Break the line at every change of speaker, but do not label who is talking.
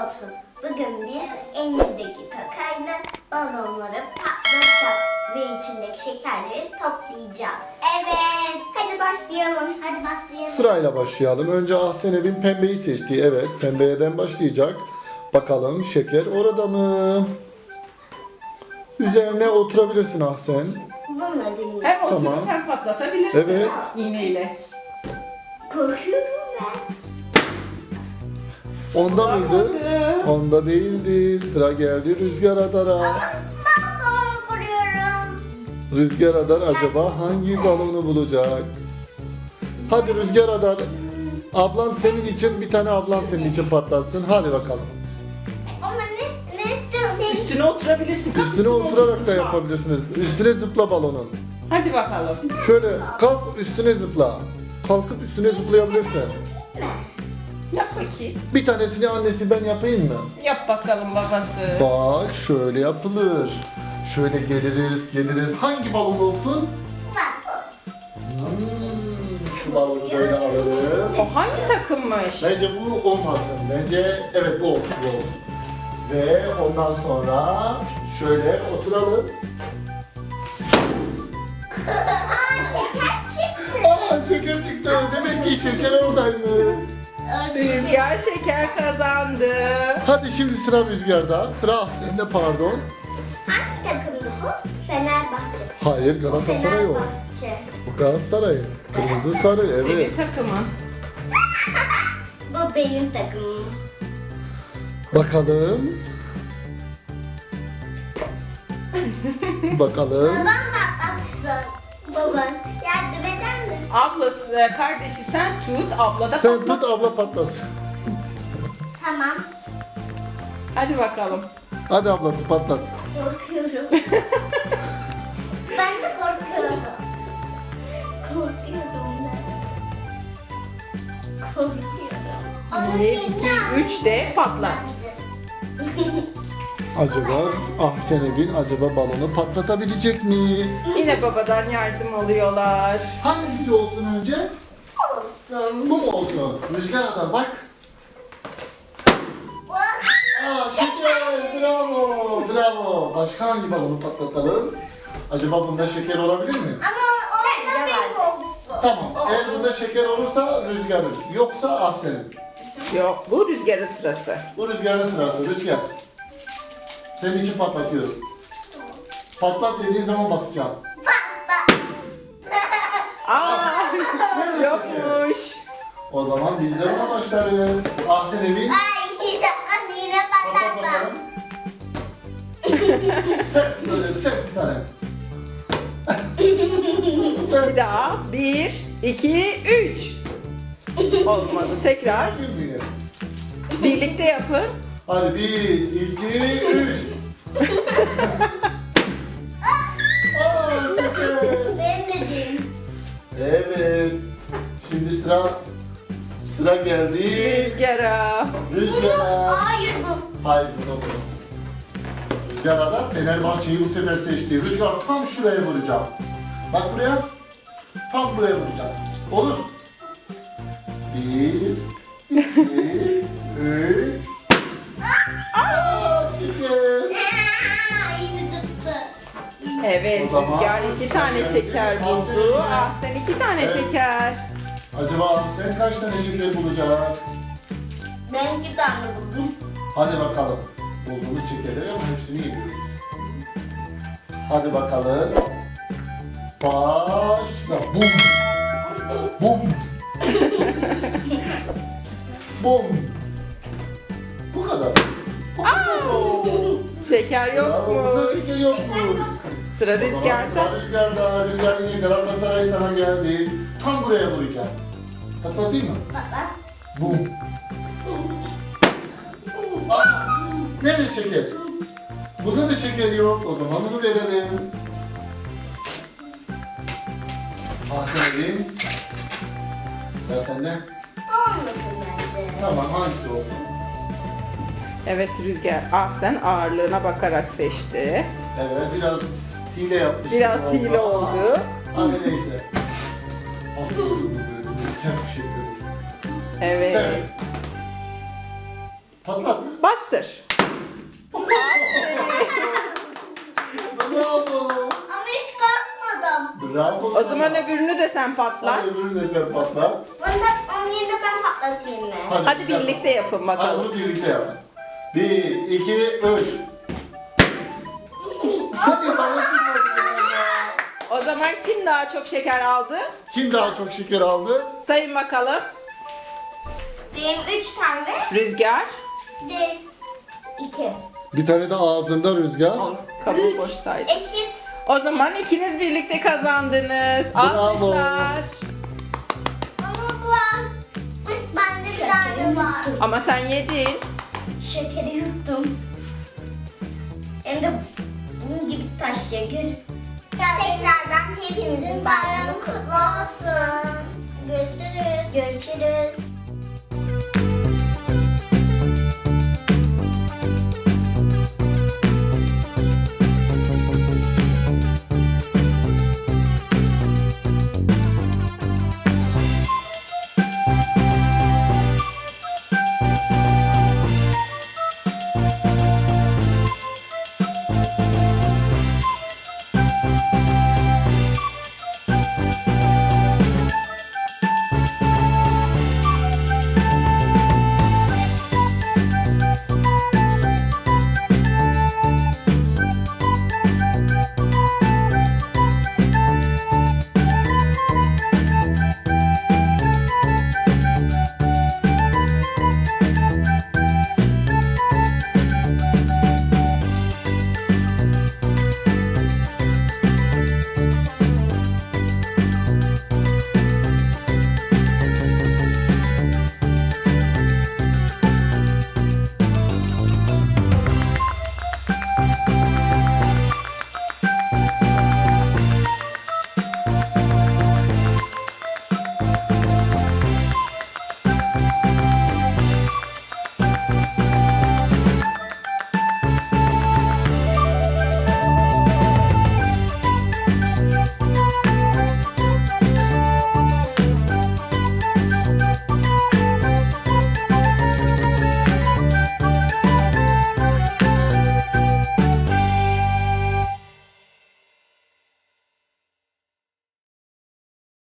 olsun. Bugün biz elimizdeki takayla balonları patlatacağız ve içindeki şekerleri toplayacağız. Evet. Hadi başlayalım. Hadi başlayalım.
Sırayla başlayalım. Önce Ahsenev'in pembeyi seçtiği. Evet, pembeyeden başlayacak. Bakalım şeker orada mı? Üzerine oturabilirsin Ahsen.
Bununla dinle.
Hem oturup
Tamam.
hem patlatabilirsin.
Evet.
İğneyle.
Korkuyorum ben.
Onda mıydı?
Olmadı.
Onda değildi. Sıra geldi Rüzgar Adar'a.
Ben balon vuruyorum.
Rüzgar Adar acaba hangi balonu bulacak? Hadi Rüzgar Adar. Ablan senin için, bir tane ablan senin için patlatsın. Hadi bakalım.
Ama ne?
Üstüne oturabilirsin. Kalk
Üstüne oturarak da
zıpla.
yapabilirsiniz. Üstüne zıpla balonun.
Hadi bakalım.
Şöyle kalk üstüne zıpla. Kalkıp üstüne zıplayabilirsin.
Yap bakayım.
Bir tanesini annesi ben yapayım mı?
Yap bakalım babası.
Bak şöyle yapılır. Şöyle geliriz. Hangi balon olsun? Şu balonu böyle alırım.
O hangi takımmış?
Bence bu olmasın. Bence evet bu olsun. Bu olsun. Ve ondan sonra şöyle oturalım.
Şeker çıktı.
Aa şeker çıktı. Demek ki şeker oradaymış.
Rüzgar şeker kazandı.
Hadi şimdi sıra Rüzgar'da. Sıra sende pardon.
Hangi takımdı bu? Fenerbahçe.
Hayır Galatasaray o.
Fenerbahçe.
Bu Galatasaray. Kırmızı sarı evet.
Senin takımın.
Bu benim takımım.
Bakalım. Bakalım.
Babam patlatsın. Baba yardım eder misin?
Ablası, kardeşi sen tut, abla da
Sen
patlat.
tut abla patlasın.
Tamam.
Hadi bakalım.
Hadi ablası patlat.
Korkuyorum. Ben de korkuyorum. Korkuyorum ben. Korkuyorum. Ama
1,
yeni
2,
aldım.
3 de patlat.
Acaba Ahsenevin acaba balonu patlatabilecek mi?
Yine babadan yardım alıyorlar.
Hangisi olsun önce?
Olsun.
Bu mu olsun? Rüzgar Adar bak. Aa şeker bravo bravo. Başka hangi balonu patlatalım? Acaba bunda şeker olabilir mi?
Ama orada benim olsun.
Tamam. Eğer bunda şeker olursa Rüzgar'ın. Yoksa Ahsen'in.
Yok, bu Rüzgar'ın sırası.
Bu Rüzgar'ın sırası. Rüzgar. Senin için patlatıyorum. Patlat dediğin zaman basacağım.
Aa, yokmuş.
O zaman biz de ona başlarız. Ahsenevin.
Ay yine
Patlat
patlattım.
bakalım. Sert böyle sert bir tane.
Bir daha. 1, 2, 3. Olmadı. Tekrar.
Gülmüyor.
Birlikte yapın.
Hadi 1, 2, 3. Aa şeker.
Ben de diyeyim.
Evet. Şimdi sıra geldi.
Rüzgar'a.
Rüzgar'a.
Hayır bu.
Hayır bu da bu. Rüzgar Adar Fenerbahçe'yi bu sefer seçti. Rüzgar tam şuraya vuracağım. Bak buraya. Tam buraya vuracağım. Olur. 1, 2, 3. Aa şeker.
Yine tuttu.
Evet,
O zaman
Rüzgar 2 tane
sen
şeker
geldi.
buldu.
Aferin.
Ah, sen 2 tane
Evet.
şeker.
Acaba sen kaç tane şeker bulacaksın?
Ben 2 tane buldum.
Hadi bakalım. Bulduğumuz şekerleri ama hepsini yemiyoruz. Hadi bakalım. Başla. Bum. Bum. Bum. Bu kadar.
Şeker
Burada
yokmuş.
şeker yokmuş.
Sıra
O zaman
Rüzgar'da.
sıra Rüzgar'da. Rüzgar yine Galatasaray sana geldi. Tam buraya vuracağım. Patlatayım mı?
Baba.
Bum. Aa, nerede şeker? Bunda da şeker yok. O zaman bunu verelim. Ahsen'in. Sıra sende.
Olmasın bence.
Tamam hangisi olsun?
Evet Rüzgar. Ah, sen ağırlığına bakarak seçti.
Evet biraz hile yapmış.
Biraz
gibi
hile
ama-
oldu.
Hadi neyse. Aferin, böyle sert bir şeker olur.
Evet.
Sert. Patlat.
Bastır.
Bravo.
Ama hiç korkmadım.
Bravo.
O zaman öbürünü de sen patlat.
Hadi öbürünü de sen patlat.
Onun yerine ben patlatayım mı?
Hadi birlikte yapın
Hadi
bakalım.
bunu birlikte yapın. 1, 2, 3. Hadi babası
O zaman kim daha çok şeker aldı?
Kim daha çok şeker aldı?
Sayın bakalım.
Benim 3 tane.
Rüzgar.
1, 2.
Bir tane de ağzında Rüzgar.
Kabuğu boş saydı.
Eşit.
O zaman ikiniz birlikte kazandınız.
Bravo.
Alkışlar.
Ama bu bende bir tane var.
Ama sen yedin.
Şekeri yuttum. Hem de bunun gibi taş şeker. Tekrardan hepinizin bayramı kutlu olsun. Görüşürüz. Görüşürüz.